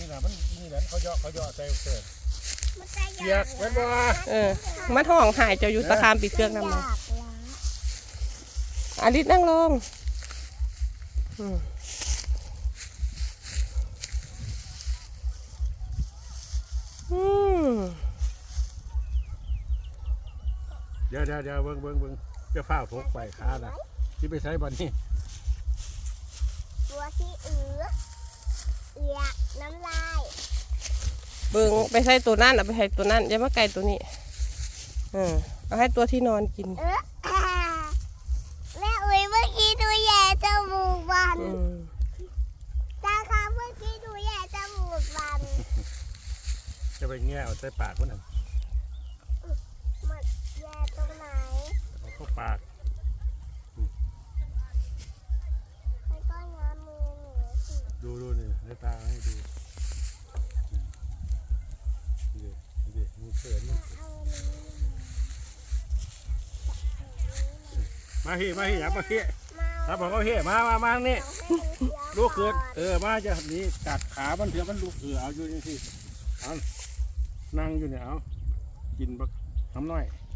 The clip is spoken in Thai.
นะมันนี่แหละเขาย่อใส่เกิดเกียกเว้นบ่มันห้องหายเจ้าอยู่ตะคามปีเชือกนำมาอาลิศนั่งลงเดี๋ยวเบิ่งจะฝ้าพกไปขานะที่ไปใช้บันนี้ตัวที่เอือน้ำลายเบิ่งไปใช้ตัวนั่นเอาไปใช้ตัวนั่นอย่ามาไกลตัวนี้เอาให้ตัวที่นอนกินแม่อุ้ยเมื่อกี้ดูแย่จมูกมันตาค่ะเมื่อกี้ดูแย่จมูกมันจะไปแง่เอาใส่ปากมันน่ะมันแย่ตรงไหนเอาเข้าปากให้ก้อนน้ำมือหนูสิดูนี่ให้ตาให้ดูดิมีเสือนี่มาเฮีอยากมาเฮียถ้าบอกเขาเฮียมานี่ลูกเกิดมาจะนี่กัดขามันเถื่อมันลูกเอาอยู่นี่สิเอานั่งอยู่เนี่ยเอากินบักทำน้อย